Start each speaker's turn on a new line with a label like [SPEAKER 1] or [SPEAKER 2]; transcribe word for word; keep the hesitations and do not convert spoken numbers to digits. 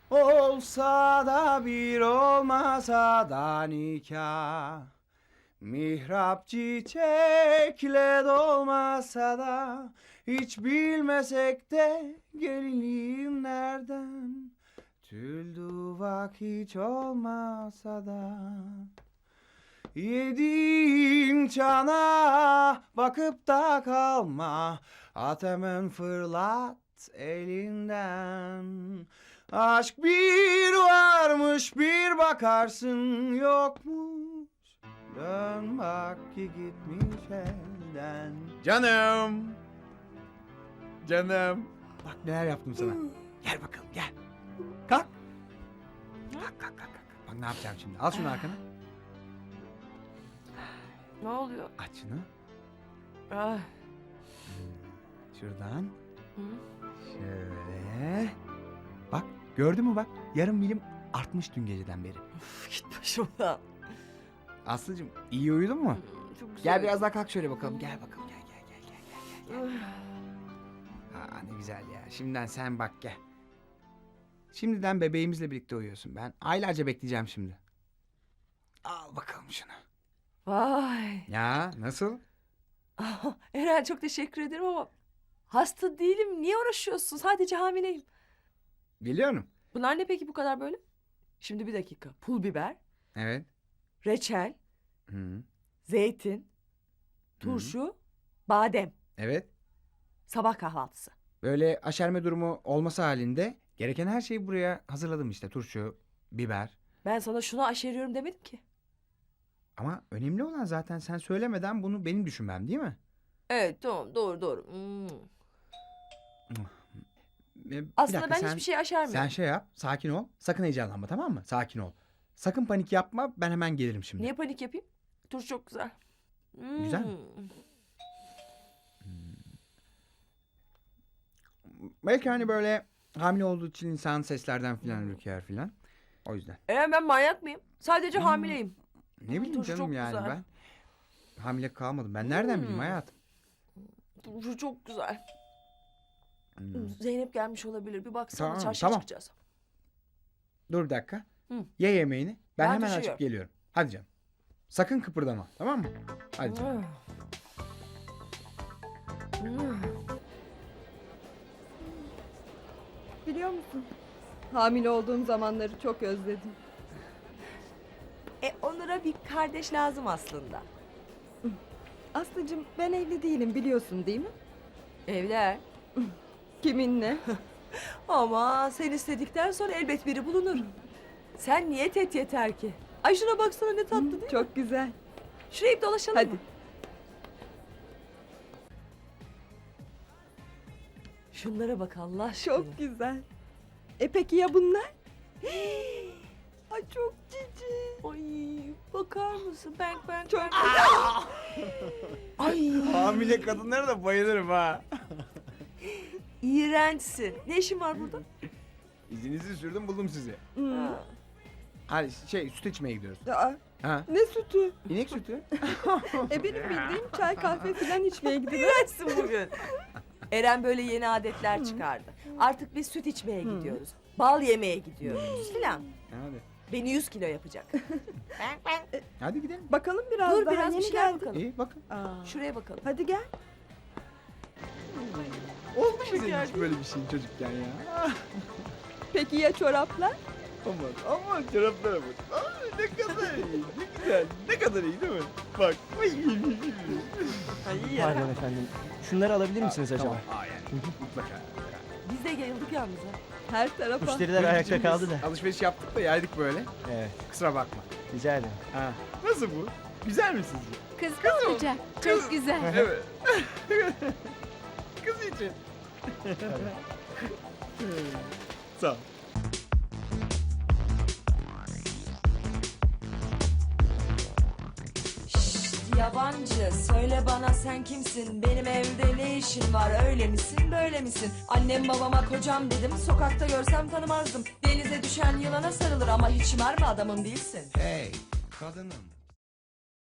[SPEAKER 1] Olsa da bir olmasa da nikah. Mihrap çiçekle dolmasa da hiç bilmesek de gelinliğim nereden? Tül duvak hiç olmasa da yediğim çana bakıp da kalma. At hemen fırlat elinden. Aşk bir varmış bir bakarsın yokmuş. Dön bak ki gitmiş elden. Canım. Canım. Bak neler yaptım sana. Gel bakalım gel. Kalk. Kalk kalk kalk. kalk. Bak ne yapacağım şimdi. Al şunu arkana.
[SPEAKER 2] Ne oluyor?
[SPEAKER 1] Aç şunu.
[SPEAKER 2] Ah.
[SPEAKER 1] Şuradan.
[SPEAKER 2] Hı?
[SPEAKER 1] Şöyle. Bak gördün mü bak. Yarım milim artmış dün geceden beri.
[SPEAKER 2] Üf, git başımdan.
[SPEAKER 1] Aslıcığım iyi uyudun mu?
[SPEAKER 2] Çok güzel.
[SPEAKER 1] Gel biraz daha kalk şöyle bakalım. Gel bakalım gel gel gel gel gel gel. gel. Aa, ne güzel ya. Şimdiden sen bak gel. Şimdiden bebeğimizle birlikte uyuyorsun. Ben aylarca bekleyeceğim şimdi. Al bakalım şunu.
[SPEAKER 2] Vay.
[SPEAKER 1] Ya nasıl?
[SPEAKER 2] Ah, Eren çok teşekkür ederim ama hasta değilim. Niye uğraşıyorsun? Sadece hamileyim.
[SPEAKER 1] Biliyorum.
[SPEAKER 2] Bunlar ne peki bu kadar böyle? Şimdi bir dakika. Pul biber,
[SPEAKER 1] Evet.
[SPEAKER 2] reçel,
[SPEAKER 1] Hı.
[SPEAKER 2] zeytin, turşu, badem.
[SPEAKER 1] Evet.
[SPEAKER 2] Sabah kahvaltısı.
[SPEAKER 1] Böyle aşerme durumu olması halinde gereken her şeyi buraya hazırladım işte. Turşu, biber.
[SPEAKER 2] Ben sana şunu aşeriyorum demedim ki.
[SPEAKER 1] Ama önemli olan zaten sen söylemeden bunu benim düşünmem değil mi?
[SPEAKER 2] Evet tamam doğru doğru. Hmm.
[SPEAKER 1] Ee, bir
[SPEAKER 2] Aslında
[SPEAKER 1] dakika,
[SPEAKER 2] ben
[SPEAKER 1] sen-
[SPEAKER 2] hiçbir şey aşermiyorum.
[SPEAKER 1] Sen şey yap, sakin ol. Sakın heyecanlanma tamam mı? Sakin ol. Sakın panik yapma, ben hemen gelirim şimdi.
[SPEAKER 2] Niye panik yapayım? Turşu çok güzel. Hmm.
[SPEAKER 1] Güzel mi? Belki hani böyle hamile olduğu için insan seslerden filan ürker filan. O yüzden.
[SPEAKER 2] Eren ben manyak mıyım? Sadece
[SPEAKER 1] Hmm.
[SPEAKER 2] hamileyim.
[SPEAKER 1] Ne bileyim
[SPEAKER 2] turşu
[SPEAKER 1] canım
[SPEAKER 2] çok
[SPEAKER 1] yani
[SPEAKER 2] güzel.
[SPEAKER 1] ben. Hamile kalmadım. Ben nereden bileyim
[SPEAKER 2] Hmm.
[SPEAKER 1] hayatım?
[SPEAKER 2] Turşu çok güzel.
[SPEAKER 1] Hmm.
[SPEAKER 2] Zeynep gelmiş olabilir. Bir baksana
[SPEAKER 1] Tamam,
[SPEAKER 2] çarşıya
[SPEAKER 1] tamam.
[SPEAKER 2] çıkacağız.
[SPEAKER 1] Dur bir dakika.
[SPEAKER 2] Hı.
[SPEAKER 1] Ye yemeğini. Ben,
[SPEAKER 2] Ben
[SPEAKER 1] hemen
[SPEAKER 2] taşıyorum.
[SPEAKER 1] açıp geliyorum. Hadi canım. Sakın kıpırdama tamam mı? Hadi canım.
[SPEAKER 2] Hmm.
[SPEAKER 3] Biliyor musun? Hamile olduğum zamanları çok özledim.
[SPEAKER 2] E Onur'a bir kardeş lazım aslında.
[SPEAKER 3] Aslıcığım ben evli değilim biliyorsun değil mi?
[SPEAKER 2] Evler.
[SPEAKER 3] Kiminle?
[SPEAKER 2] Ama sen istedikten sonra elbet biri bulunur. Sen niyet et yeter ki. Ay şuna baksana ne tatlı değil mi?
[SPEAKER 3] Çok güzel.
[SPEAKER 2] Şuraya bir dolaşalım
[SPEAKER 3] Hadi.
[SPEAKER 2] mı? Şunlara bak Allah aşkına.
[SPEAKER 3] Çok güzel. E peki ya bunlar? Ay çok cici.
[SPEAKER 2] Ay bakar mısın? Ben ben
[SPEAKER 3] Çok
[SPEAKER 2] ben.
[SPEAKER 3] güzel.
[SPEAKER 2] Ay
[SPEAKER 1] Hamile kadınlara da bayılırım ha.
[SPEAKER 2] iğrençsin. Ne işin var burada?
[SPEAKER 1] İzinizi sürdüm buldum sizi.
[SPEAKER 3] Hmm.
[SPEAKER 2] Ha.
[SPEAKER 1] Hadi şey süt içmeye gidiyoruz.
[SPEAKER 3] Aa,
[SPEAKER 1] Ha?
[SPEAKER 3] ne sütü?
[SPEAKER 1] İnek sütü.
[SPEAKER 3] E benim bildiğim çay kahve falan içmeye gidiyor.
[SPEAKER 2] İğrençsin bugün. Eren böyle yeni adetler çıkardı. Artık biz süt içmeye gidiyoruz. Bal yemeye gidiyoruz filan.
[SPEAKER 1] Hadi.
[SPEAKER 2] Beni yüz kilo yapacak.
[SPEAKER 1] Hadi gidelim.
[SPEAKER 3] Bakalım biraz
[SPEAKER 2] Dur
[SPEAKER 3] daha
[SPEAKER 2] biraz bir
[SPEAKER 3] yeni
[SPEAKER 2] şeyler
[SPEAKER 3] geldik.
[SPEAKER 2] bakalım.
[SPEAKER 1] İyi bakın.
[SPEAKER 3] Aa,
[SPEAKER 2] Şuraya bakalım.
[SPEAKER 3] hadi gel.
[SPEAKER 1] Oldu mu senin
[SPEAKER 2] Şeker
[SPEAKER 1] hiç böyle bir şeyin çocukken ya?
[SPEAKER 3] Peki ya çoraplar?
[SPEAKER 1] Aman aman çoraplara bak. Aa, ne kadar iyi, ne güzel, ne kadar iyi değil mi? Bak. Ay,
[SPEAKER 2] Ay ya.
[SPEAKER 4] Pardon efendim. Şunları alabilir misiniz acaba?
[SPEAKER 1] Tamam, aa yani mutlaka.
[SPEAKER 2] Biz de yayıldık yalnız ha.
[SPEAKER 3] Her tarafa.
[SPEAKER 4] Müşteriler ayakta kaldı da.
[SPEAKER 1] Alışveriş yaptık da yaydık böyle.
[SPEAKER 4] Evet,
[SPEAKER 1] Kusura bakma.
[SPEAKER 4] rica ederim.
[SPEAKER 1] Ha. Nasıl bu? Güzel mi sizce?
[SPEAKER 5] Kız kız olacak. Çok güzel.
[SPEAKER 1] Evet. Kız için. Sağ ol.
[SPEAKER 2] Şşt, yabancı söyle bana sen kimsin? Benim evde ne işin var? Öyle misin böyle misin? Annem babama kocam dedim. Sokakta görsem tanımazdım. Denize düşen yılana sarılır ama hiç mermi adamın değilsin.
[SPEAKER 1] Hey kadınım.